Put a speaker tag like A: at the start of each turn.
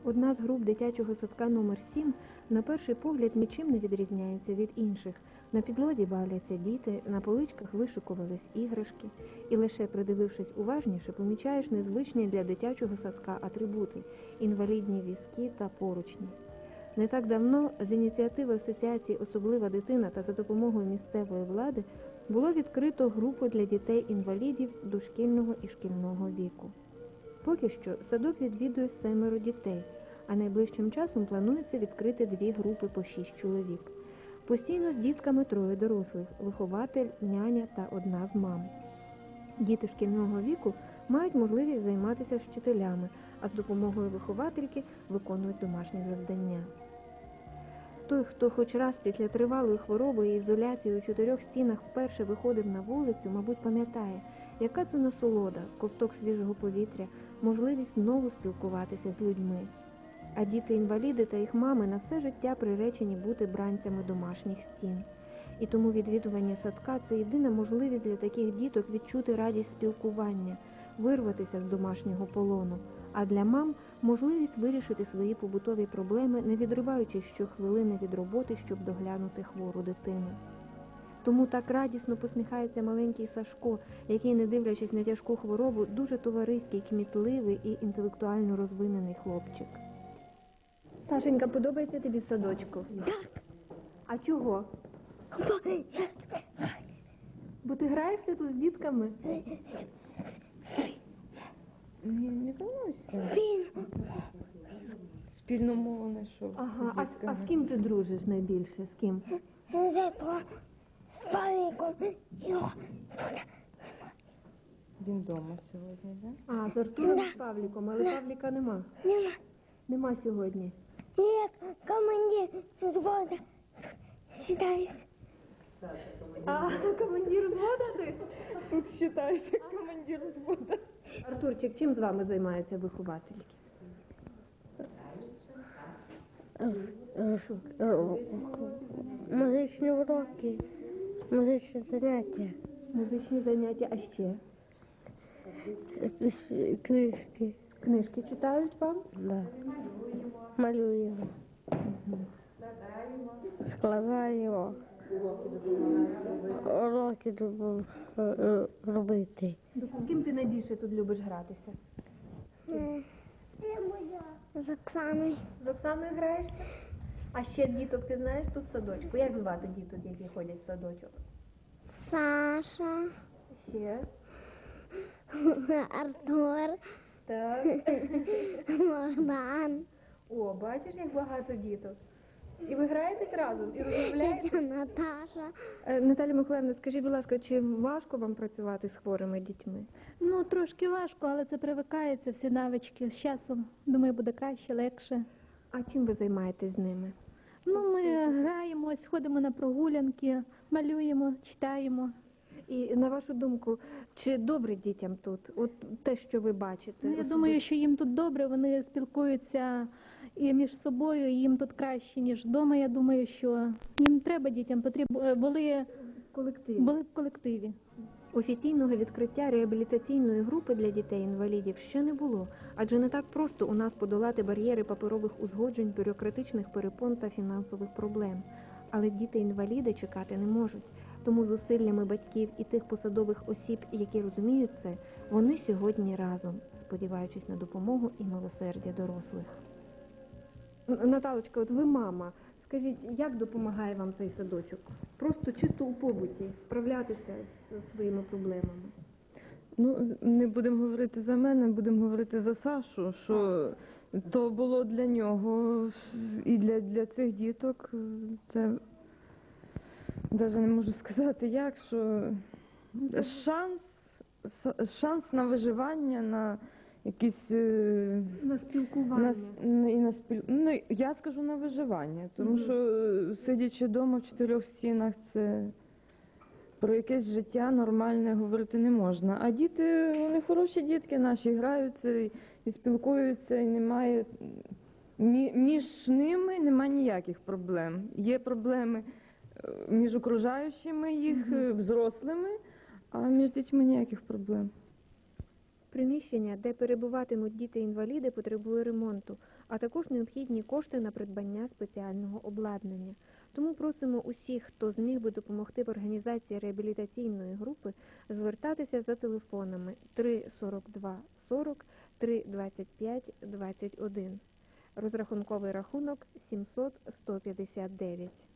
A: Одна з груп дитячого садка номер 7 на перший погляд нічим не відрізняється від інших. На підлозі бавляться діти, на поличках вишикувались іграшки. І лише придивившись уважніше, помічаєш незвичні для дитячого садка атрибути – інвалідні візки та поручні. Не так давно з ініціативи Асоціації «Особлива дитина» та за допомогою місцевої влади було відкрито групу для дітей-інвалідів дошкільного і шкільного віку. Поки що садок відвідує 7 дітей, а найближчим часом планується відкрити 2 групи по 6 чоловік. Постійно з дітками 3 дорослих – вихователь, няня та одна з мам. Діти шкільного віку мають можливість займатися з вчителями, а з допомогою виховательки виконують домашні завдання. Той, хто хоч раз після тривалої хвороби і ізоляції у 4 стінах вперше виходив на вулицю, мабуть, пам'ятає, яка це насолода, ковток свіжого повітря, можливість знову спілкуватися з людьми. А діти-інваліди та їх мами на все життя приречені бути бранцями домашніх стін. І тому відвідування садка – це єдина можливість для таких діток відчути радість спілкування, вирватися з домашнього полону, а для мам – можливість вирішити свої побутові проблеми, не відриваючись щохвилини від роботи, щоб доглянути хвору дитину. Тому так радісно посміхається маленький Сашко, який, не дивлячись на тяжку хворобу, дуже товариський, кмітливий і інтелектуально розвинений хлопчик. Сашенька, подобається тобі в садочку?
B: Так.
A: А чого? Бо ти граєшся тут з дітками?
C: Не волнуйся. Спільну мову знайшов.
A: Ага, а з ким ти дружиш найбільше? З ким?
B: З Павліком.
C: Він вдома сьогодні, так?
A: А, з Артуром і з Павліком, але Павліка нема. Нема сьогодні.
B: Як командир взвода сідаюсь.
A: А, командир взвода ти?
C: Тут вважається командир взвода.
A: Артурчик, чим з вами займаються виховательки?
B: Музичні уроки, музичні заняття.
A: Музичні заняття, а ще?
B: Книжки.
A: Книжки читають вам?
B: Да. Малюємо. Складаємо. Уроки любимо робити.
A: З ким ти найбільше тут любиш гратися?
B: З Оксаною.
A: З Оксаною граєшся? А ще діток ти знаєш тут в садочку? Як звати діток, які ходять в садочок?
B: Саша.
A: Ще?
B: Артур.
A: Так.
B: Богдан.
A: О, бачиш, як багато діток. І ви граєтесь разом, і розмовляєте?
B: Наташа.
A: Наталя Миколаївна, скажіть, будь ласка, чи важко вам працювати з хворими дітьми?
D: Ну, трошки важко, але це привикається, всі навички. З часом, думаю, буде краще, легше.
A: А чим ви займаєтесь з ними?
D: Ну, ми граємось, ходимо на прогулянки, малюємо, читаємо.
A: І на вашу думку, чи добре дітям тут? От те, що ви бачите?
D: Ну, я думаю, що їм тут добре, вони спілкуються і між собою, і їм тут краще, ніж вдома. Я думаю, що їм треба дітям, були в колективі.
A: Офіційного відкриття реабілітаційної групи для дітей-інвалідів ще не було, адже не так просто у нас подолати бар'єри паперових узгоджень, бюрократичних перепон та фінансових проблем. Але діти-інваліди чекати не можуть. Тому зусиллями батьків і тих посадових осіб, які розуміють це, вони сьогодні разом, сподіваючись на допомогу і милосердя дорослих. Наталочка, от ви мама. Скажіть, як допомагає вам цей садочок? Просто чисто у побуті справлятися з своїми проблемами?
C: Ну, не будемо говорити за мене, будемо говорити за Сашу, що то було для нього і для цих діток. Це навіть не можу сказати як, що шанс на виживання, на якісь...
A: На спілкування.
C: Ну, я скажу на виживання, тому що сидячи вдома в 4 стінах, це про якесь життя нормальне говорити не можна. А діти, вони хороші дітки наші, граються і спілкуються, і немає, між ними немає ніяких проблем. Є проблеми між окружаючими їх, взрослими, а між дітьми ніяких проблем.
A: Приміщення, де перебуватимуть діти-інваліди, потребує ремонту, а також необхідні кошти на придбання спеціального обладнання. Тому просимо усіх, хто зміг би допомогти в організації реабілітаційної групи, звертатися за телефонами 342 40, 325 21. Розрахунковий рахунок 700 159.